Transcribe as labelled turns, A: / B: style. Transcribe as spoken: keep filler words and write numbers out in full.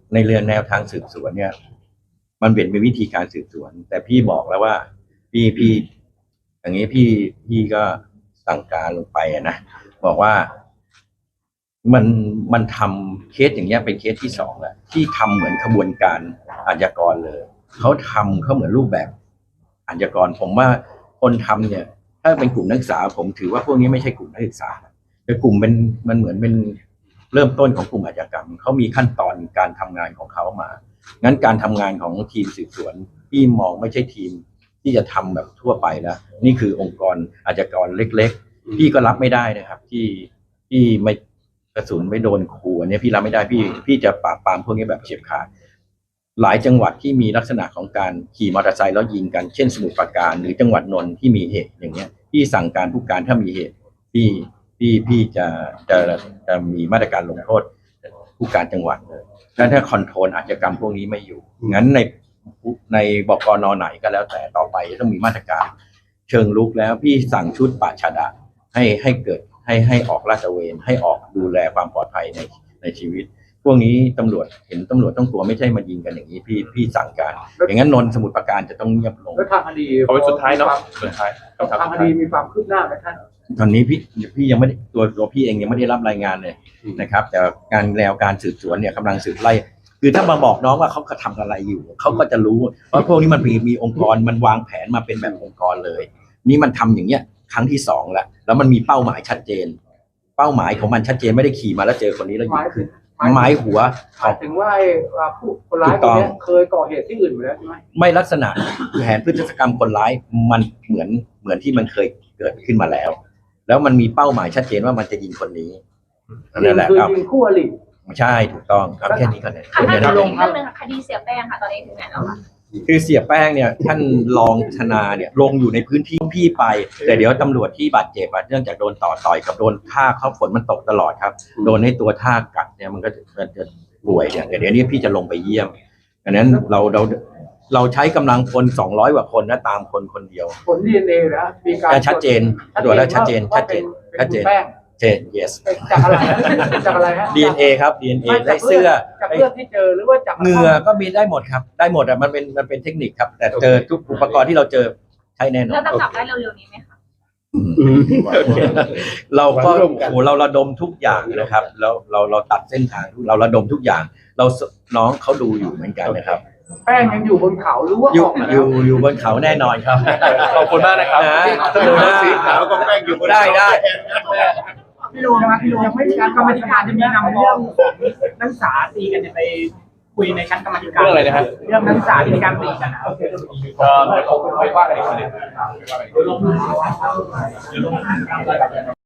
A: ในเรื่องแนวทางสืบสวนเนี่ยมันเป็นเป็นวิธีการสืบสวนแต่พี่บอกแล้วว่าพี่พี่อย่างนี้พี่พี่ก็สั่งการลงไปนะบอกว่ามันมันทำเคสอย่างเงี้ยเป็นเคสที่สองแหละที่ทำเหมือนขบวนการอาชญากรเลยเขาทำเขาเหมือนรูปแบบอาชญากรผมว่าคนทำเนี่ยถ้าเป็นกลุ่มนักศึกษาผมถือว่าพวกนี้ไม่ใช่กลุ่มนักศึกษาแต่กลุ่มเป็นมันเหมือนเป็นเริ่มต้นของกลุ่มอาชญากรรมเขามีขั้นตอนการทำงานของเขามางั้นการทำงานของทีมสืบสวนพี่มองไม่ใช่ทีมที่จะทำแบบทั่วไปแล้วนี่คือองค์กรอาชญากรเล็กๆพี่ก็รับไม่ได้นะครับที่ที่ไม่กระสุนไม่โดนขู่อันนี้พี่รับไม่ได้พี่พี่จะปราบปรามพวกนี้แบบเฉียบขาดหลายจังหวัดที่มีลักษณะของการขี่มอเตอร์ไซค์แล้วยิงกันเช่นสมุทรปราการหรือจังหวัดนนท์ที่มีเหตุอย่างเงี้ยพี่สั่งการผู้การถ้ามีเหตุพี่พี่พี่จะจะจะมีมาตรการลงโทษผู้การจังหวัดเลยแล้วถ้าคอนโทรลอาชญากรรมพวกนี้ไม่อยู่งั้นในในบกนไหนก็แล้วแต่ต่อไปต้องมีมาตรการเชิงลุกแล้วพี่สั่งชุดปราชญ์ให้ให้เกิดให้ให้ออกลาดตระเวนให้ออกดูแลความปลอดภัยในในชีวิตพวกนี้ตำรวจเห็นตำรวจต้องกลัวไม่ใช่มายิงกันอย่างนี้พี่พี่สั่งการอย่างนั้นนนท์สมุทรปราการจะต้องเงียบลง
B: แล้วทางคดี
C: เอาไปสุดท้ายเนาะสุดท้าย
B: ทางคดีมีความคืบหน้าไหมท่าน
A: ตอนนี้พี่พี่ยังไม่ได้ตัวตัวพี่เองยังไม่ได้รับรายงานเลยนะครับแต่การแนวการสืบสวนเนี่ยกำลังสืบไล่คือถ้ามาบอกน้องว่าเขากระทำอะไรอยู่เขาก็จะรู้ว่าพวกนี้มันมีมีองค์กรมันวางแผนมาเป็นแบบองค์กรเลยนี่มันทำอย่างเงี้ยครั้งที่สองแล้วแล้วมันมีเป้าหมายชัดเจนเป้าหมายของมันชัดเจนไม่ได้ขี่มาแล้วเจอคนนี้แล้วยิงขึ้นหมายหัว
B: หมายถึงว่าผู้คนร้ายคนนี้เคยก่อเหตุที่อื่นอยู่แล้วใช่ไหม
A: ไม่ลักษณะแผนพฤติกรรมคนร้ายมันเหมือนเหมือนที่มันเคยเกิดขึ้นมาแล้วแล้วมันมีเป้าหมายชัดเจนว่ามันจะยิงคนนี้
B: นั่นแหละครับยิงคู่อริ
A: ใช่ถูกต้องครับแค่นี้ก็ได้
D: ค่ะท่านลงเรื่องนึงค่ะคดีเสียแป้งค่ะตอนนี้ถึงไหนแล้วคะ
A: คือเสียแป้งเนี่ยท่านรองธนาเนี่ยลงอยู่ในพื้นที่พี่ไปแต่เดี๋ยวตำรวจที่บาดเจ็บเนื่องจากโดนต่อต่อยกับโดนท่าเขาฝนมันตกตลอดครับโดนให้ตัวท่ากัดเนี่ยมันก็จะป่วยเนี่ยเดี๋ยวนี้พี่จะลงไปเยี่ยมดังนั้นเราเราเราใช้กำลังคนสองร้อยกว่าคนนะตามคนคนเดียว
B: ผล ดี เอ็น เอ นะมีการ
A: ชัดเจนตรวจแล้วชัดเจนชัดเจนชัดเจนเจน yes
B: จากอะไรจากอะไรฮะ
A: ดี เอ็น เอ ครับ ดี เอ็น เอ ได้เสื้อ
B: จากเสื้อที่เจอหรือว่าจาก
A: เหงื่อก็มีได้หมดครับได้หมดอ่ะมันเป็นมันเป็นเทคนิคครับแต่เจอทุกอุปกรณ์ที่เราเจอใช้แน่นอน
D: เราจะจับได้เร็วๆนี้ไหมคะ
A: เราก็โอ้เราระดมทุกอย่างนะครับแล้วเราเราตัดเส้นทางเราระดมทุกอย่างเราน้องเขาดูอยู่เหมือนกันนะครับ
B: แป้งยังอยู่บนเขาหรือว่า
A: อยู่อยู่อยู่บนเขาแน่นอนครับ
C: ขอบคุณมากนะครับ
A: นะ
C: ดูนะสีขาวก็แป้งอยู่บน
A: ได้ได้
B: พี่ลุงนะพี่ลุงยังไม่มีการกรรมธิการจะมีนำเรื่องนักศึกษาตีกันเนี่ยไปคุยในชั้นกรรมธิการ
C: เรื่องอะไรนะฮะ
B: เรื่องนักศึกษาที่มีการตีกันนะครับ
C: ก็เดี๋ยวผมไปว่ากันอีกทีนึง